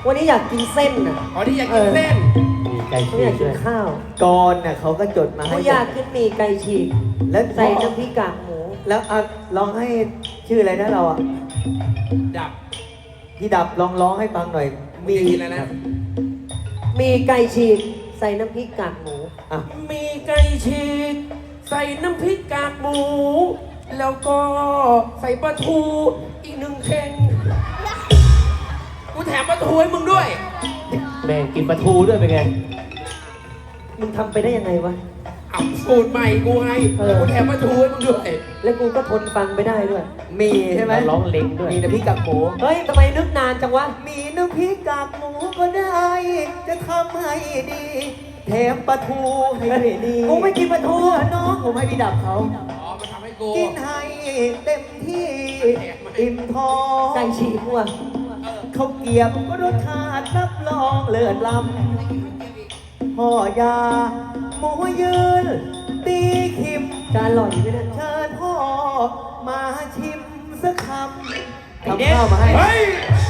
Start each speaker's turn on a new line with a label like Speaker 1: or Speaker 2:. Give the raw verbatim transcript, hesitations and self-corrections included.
Speaker 1: วันนี้อยากกินเส้นน่ะ
Speaker 2: อ๋อที่อยากกินเส้น
Speaker 3: มีไก่
Speaker 1: เขา
Speaker 3: ฉี
Speaker 1: อยาก
Speaker 3: ก
Speaker 1: กิ
Speaker 3: ด้วน ย
Speaker 1: ข้าว
Speaker 4: ก่อนน่ะเขาก็จดมาให้
Speaker 1: เขาอยากกินหมี่ไก่ฉีก
Speaker 4: แล้ว
Speaker 1: ใส่น้ำพริกกากหมู
Speaker 4: แล้วอ่ะลองให้ชื่ออะไรนะเราอ่ะ
Speaker 2: ดับ
Speaker 4: พี่ดับลองร้องให้ฟังหน่อย
Speaker 2: มีกินแล้วนะ
Speaker 1: หมี่ไก่ฉีกใส่น้ำพริกกากหมู
Speaker 4: อ่ะ
Speaker 2: มีไก่ฉีกใส่น้ำพริกกากหมู แล้วก็ใส่ปลาทูอีกหนึ่งเข่งกูแถมปลาทูให้มึงด้วย
Speaker 3: แม่งกินปลาทูด้วยเป็นไง
Speaker 1: มึงทำไปได้ยังไงวะ
Speaker 2: เอาสูตรใหม่กูให้
Speaker 1: เออ
Speaker 2: กูแถมปลาทูให้มึงด้วย
Speaker 1: แล้วกูก็ทนฟังไปได้ด้วย
Speaker 4: มีใช่ไหม
Speaker 3: เราร้องเล็งด้วย
Speaker 4: มีน้ำพริกกากหมู
Speaker 1: เฮ้ยทำไมนึกนานจังวะ
Speaker 4: มีน้ำพริกกากหมูก็ได้ จะทำให้ดี แถมปลาทูให้ด้วยดี
Speaker 1: กูไม่กินปลาทู
Speaker 4: เพื่อน้องผมให้พี่ดับเขา
Speaker 2: อ๋อมาทำให้กู
Speaker 4: กินให้เต็มที่ อิ่มท้อง
Speaker 1: ไก่ฉีกว่ะ
Speaker 4: เขาวเกรียบก็รสชาติรับรองเลิศล้ำพ่อยาหมูยืน ตีขิม
Speaker 1: จานหล่ออยู่ไหมเนี่ย
Speaker 4: เชิญพ่อมาชิมสักคำ
Speaker 1: ไอ้
Speaker 4: ทำ
Speaker 1: เด็ก
Speaker 4: ข้าวมาให้
Speaker 2: เฮ้ย